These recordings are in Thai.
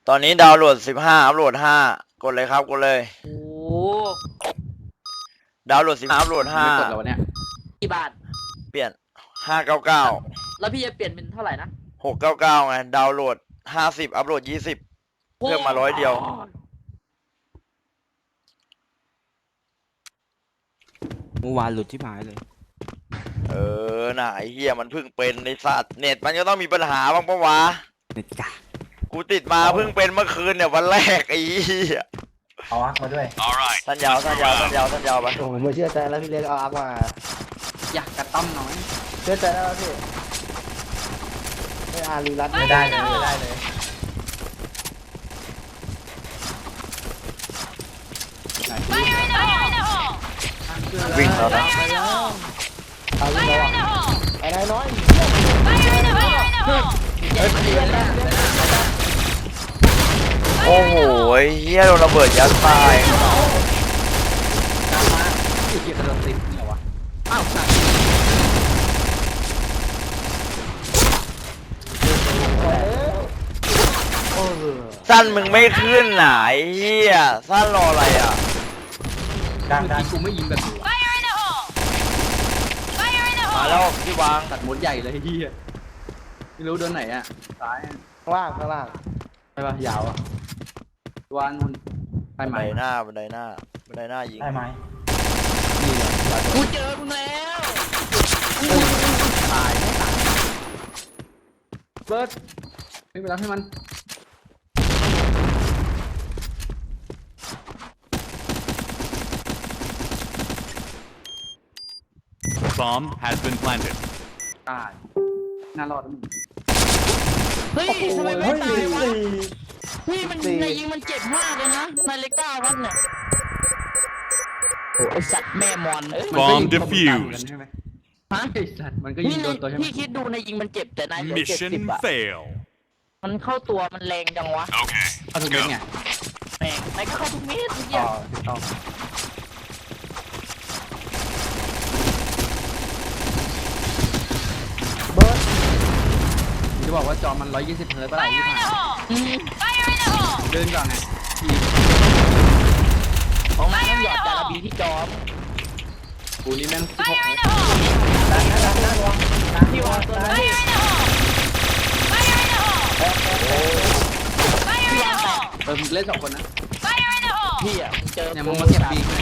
ตอนนี้ดาวน์โหลด15อัพโหลด5กดเลยครับกดเลยโอ้ดาวน์โหลด15อัพโหลดไม่กดแล้ววะเนี่ยกี่บาท 5เปลี่ยน599 แล้วพี่จะเปลี่ยนเป็นเท่าไหร่นะ 699ไงดาวน์โหลด50อัพโหลด20เพิ่มมา100เดียวเมื่อวานหลุดที่หายเลยน่ะไอ้เหี้ยมันเพิ่งเป็นในสัตว์เน็ตมันก็ต้องมีปัญหาบ้างปะวะเน็ตกากูติดมาเพิ่งเป็นเมื่อคืนเนี่ยวันแรกไอ้เหี้ยเอาอักมาด้วยสั้นยาวไปโอ้โหไม่เชื่อใจแล้วพี่เล็กเอาอักมาอยากกระต้อมน้อยเชื่อใจแล้วพี่ไม่อารีรัตไม่ได้เลยไม่ได้เลยวิ่งแล้วนะเอาวิ่งแล้วไอ้นายน้อยโอ้โหไอ้เหี้ยโดนระเบิดยัดตายตามมาไอ้เกียร์กระโดดติดนี่เหรอวะอ้าวสัตว์โอ้โหสั้นมึงไม่ขึ้นน่ะไอ้เหี้ยสั้นรออะไรอ่ะเมื่อกี้กูไม่ยิงแบบนี้วะมาแล้วที่วางตัดหมดใหญ่เลยที่ไม่รู้โดนไหนอ่ะซ้ายข้างล่างข้างล่างใช่ปะยาวอ่ะวานมันไปบันใหไดม่หน้ายิงได้ไหมนี่เลยยาวกูเจอมึงแล้วตายไม่ตายเบิร์ดไม่ไปรับให้มัน Bomb has been planted. ตายน่ารอดแล้วมึงเฮ้ยทำไมไม่ตายวะพี่มันในยิงมันเจ็บมากเลยนะในเล็กก้าวัดเนี่ยโอ้ไอสัตว์แม่มอนเอ้ยมันก็ยิง Bomb defused ใช่ไหมฮะไอ้สัตว์มันก็ยิงโดนตัวใช่ไหมพี่คิดดูในยิงมันเจ็บแต่นายเหลือ70 Mission อะ fail. มันเข้าตัวมันแรงจังวะ Okay, เอาถูก let's เม็ด go. ไงแม่งนายก็เข้าทุกเม็ดทุกออ๋อย่าง ถูกต้องเบิร์ดจะบอกว่าจอมัน120เฮิร์ตซ์ป่ะล่ะที่ผ่านอืมเดินก่อนไงทีของนายต้องหยอดจาระบีที่จอมกูนี่แม่ง16เฮิร์ตซ์พี่วางตัวนั้นพี่วางแต่มึงเล่น2คนนะพี่อ่ะเจอเนี่ยมึงมาเก็บบีกเลย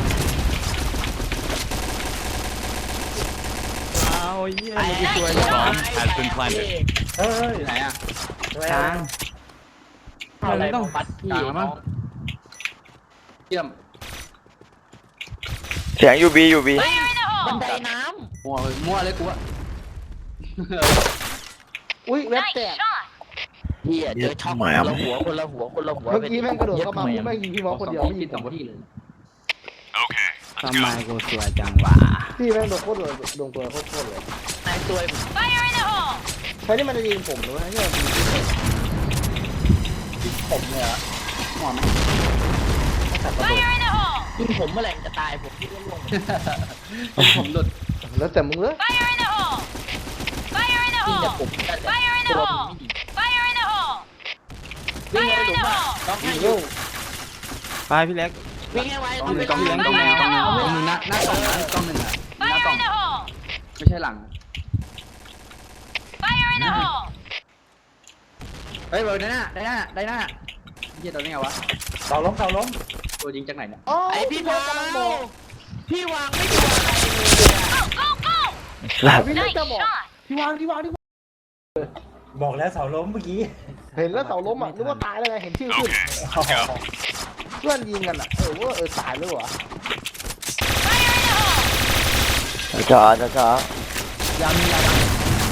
เอาเยี่ยไอ้มตัว Bomb has been planted. เฮ้ยอยู่ไหนอ่ะกลางอะไรต้องปัดพี่กลางแล้วมั้งเยี่ยมเสียงยูบีเฮ้ยบันไดน้มั่วเลยกูอะอุ้ยเว็บแตกำพี่อ่ะเจอช็อกคนละหัวคนละหัวเมื่อกี้แม่งกระโดดเข้ามาแม่งยิงพี่มอสคนเดียวไม่ยิงสองที่เลย Okay, ทำ let's ไม go. กูสวยจังวะพี่แม่งโดนโคตรเลยโดนตัวโคตรเลยนายตัวใช่นี่มันจะยิงผมหรือว่าเนี่ยยิงผมเนี่ยเหรอหมอไหมตัดระเบิดยิงผมเมื่อไหร่มันจะตายผมที่ร่วงผมหลุดแล้วแต่มึงเลยยิงแต่ผมแต่ตัวผมไม่ยิงวิ่งให้หลุมอ่ะต้องให้ยิงอยู่เร็วไปพี่เล็กวิ่งให้ไวกล้องหนึ่งกล้องหนึ่งกล้องหนึ่งกล้องหนึ่งกล้องหนึ่งหน้ากล่องนะกล้องหนึ่งอะหน้ากล่องไม่ใช่หลังเฮ้ยเบอร์ได้หน้าเฮียโดนได้ไงวะเสาล้มตัวยิงจากไหนเนี่ยไอพี่วางพี่วางไม่ดูอะไรเลยหลับพี่เล็กจะบอกที่วางบอกแล้วเสาล้มเมื่อกี้เห็นแล้วเสาล้มอ่ะนึกว่าตายแล้วไงเห็นชื่อขึ้น Okay, let's go. เพื่อนยิงกันอ่ะว่าตายแล้วเหรอช้ายามียาดัง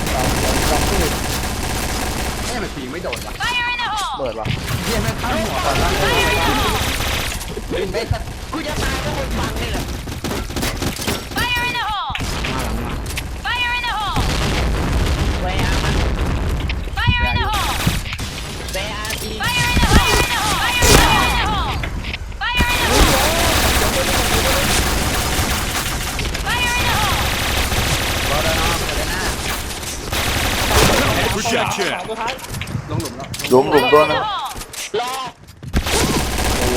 ไม่ยังผีไม่โดนวะเปิดวะเฮียไม่เข้าหัวก่อนละไม่สัตว์กูจะตายก็คนฟังนี่แหละมาหลังมาเวียมันเวียดีรอได้นะเปิดได้หน้า Projection. ตัวท้ายลงหลุมแล้วหลุมตัวนะ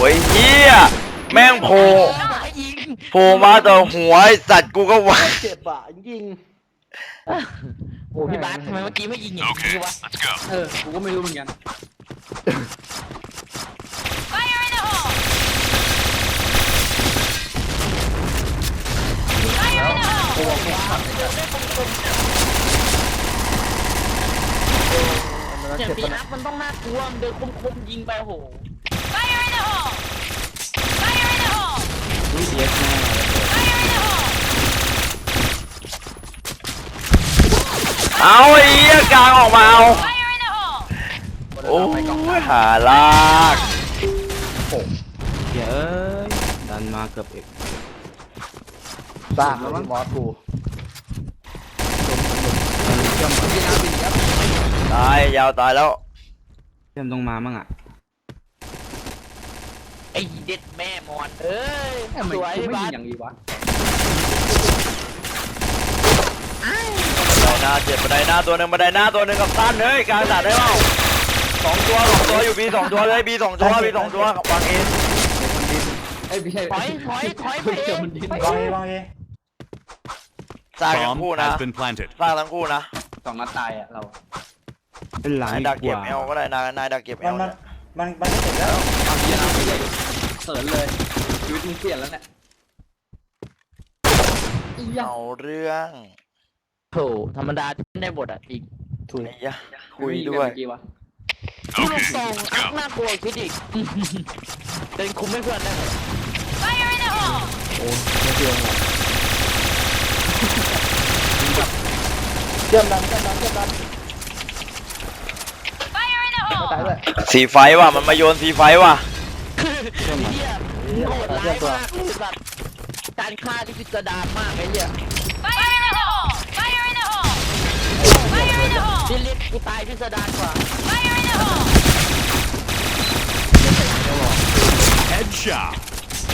ไอ้เหี้ยแม่งโผล่ให้ยิงโผล่มาแต่หัวไอ้สัตว์กูก็ว่าเจ็บอ่ะยิงโอ้พี่บาสทำไมเมื่อกี้ไม่ยิงอย่างนี้ Okay, วะ let's go. กูก็ไม่รู้เหมือนกัน Fire in the hole! กูบอกแค่ขับเนี่ยปีนับมันต้องน่ากลัวมันเดินคมๆยิงไปโอ้โห Fire in the hole! Fire in the hole! อุ้ยเย็ดแม่ Fire in the hole! เอาไอ้เหี้ยกลางออกมาเอา Fire in the hole! โอ้ยหาลากเดี๋ยวดันมาเกือบอีกสร้างแล้วมั้งมอสกูตายยาวตายแล้วเชื่อมต้องมามั่งอ่ะไอ้เด็ดแม่มอนเอ้ยทำไมสวยกูพี่ไม่บายิสงอย่างนี้วะบันไดหน้าเจ็บบันไดหน้าตัวหนึ่งบันไดหน้าตัวหนึ่งกับสั้นเฮ้ยกลางตัดได้เปล่าสองตัวอยู่บีสองตัวเลยบีสองตัวบีสองตัววางเองเอ้ยไม่ใช่ถอยไปเอเจอง มันดินวางเอวางเอสร้างทั้ง Bomb คู่นะ has been planted. สร้างทั้งคู่นะ 2 นัดตายอ่ะเราเป็นหลังนายดีดักกเก็บว่าเอลก็ได้นายดักเก็บเอมันลมันก็เจ็บแล้วเอาเยี่ยนะไม่ใช่เขินเลยชีวิตมึงเปลี่ยนแล้วเนี่ยเอาเรื่องโถธรรมดาที่ได้บทอ่ะจริงถุยไอ้ยะคุยด้วยเมื่อกี้วะที่ลูกซองน่ากลัวคิดอีกเดินคุมให้เพื่อนได้หมด Fire in the hole! โอ้ไม่เชื่อหรอกเชื่อมดัน Fire in the ไม่ hole! ตายด้วยสีไฟว่ะมันมาโยนสีไฟว่ะเฮียโหดร้ายมากเลยแบบการฆ่าที่พิสดารมากไอ้เหี้ย Fire in the hole! Fire in the hole! Fire in the hole! ที่เรียกกูตายพิสดารกว่า Fire in the hole! Headshot.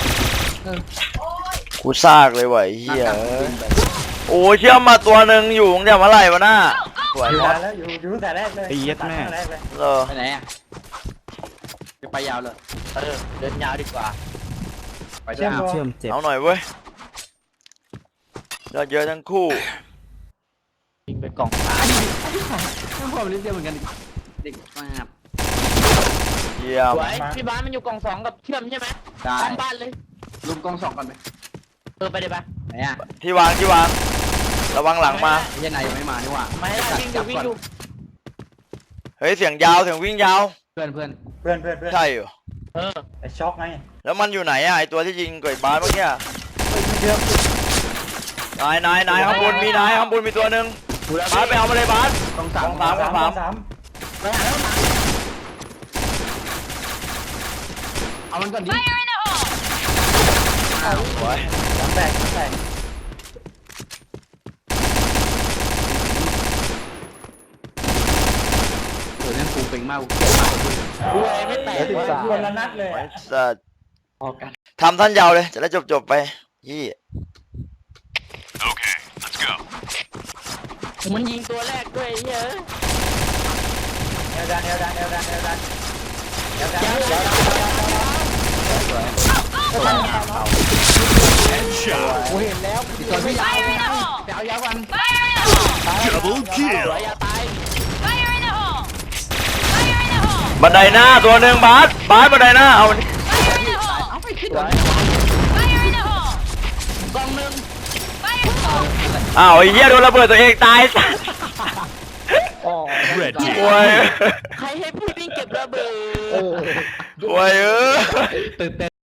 กูซากเลยว่ะไอ้เหี้ยนัดกันบินไปโอ้เชื่อมมาตัวหนึ่งอยู่ตั้งแต่เมื่อไหร่วะน่าสวยอยู่มากนานแล้วอยู่ตั้งแต่แรกเลยไอ้เย็ดแม่ตั้งแต่แรกเลยเออไปไหนอ่ะจะไปยาวเลยเดินยาวดีกว่าไปด้วยเชื่อมเจ็บเอาหน่อยเว้ยเราเยอะทั้งคู่ยิงไปกล่องฟ้าไม่พอมันนิดเดียวเหมือนกันเด็กมากเยี่ยมสวยพี่บ้านมันอยู่กล่องสองกับเชื่อมใช่ไหมได้พร้อมบ้านเลยลุมกองสองก่อนไหมไปเลยปะไหนอ่ะที่วางระวังหลังมาไอ้ยันไหนยังไม่มานี่หว่าไม่ได้วิ่งอยู่วิ่งอยู่เฮ้ยเสียงยาวเสียงวิ่งยาวเพื่อนเพื่อนใช่เหรอเออไอ้ช็อกไงแล้วมันอยู่ไหนอะไอตัวที่ยิงก่อยบาสเมื่อกี้อะเชื่อมนายข้างบนมีนายข้างบนมีตัวหนึ่งบาสไปเอามาเลยบาสต้องสสาอมงสามสามสามไปหาแล้วมาเอามันก่อนดิ Fire in the hole! สวยสามแตกเดี๋ยวนั่นฟูเป่งมากกูเกลียดมากเลยกูเลยไม่แตกเหลือวะคนละนัดเลยไอ้สัตว์ออกกันทำท่านยาวเลยจะได้จบไปยี่ Okay, let's go. มันยิงตัวแรกด้วยไอ้เฮ้ยเอวดันยัง Headshot. กูเห็นแล้วอีกตัวพี่ยาว Fire in the hole! ไปเอายาวกัน Fire in the hole! Double ส kill. วยอย่าตาย Fire in the hole! Fire in the hole! บันไดหน้าตัวหนึ่งบาสบันไดหน้าเอา Fire in the hole! เอาไปคิดสก่อวน ย Fire in the hole! กล่องหนึ่ง Fire in the hole! อ้าวไอ้เหี้ยโดนระเบิดตัวเองตายสัตว์อ๋อ Red โว้ team. ยใครให้พี่วิ่งเก็บระเบิดเออโว้ยเออตื่นเต้น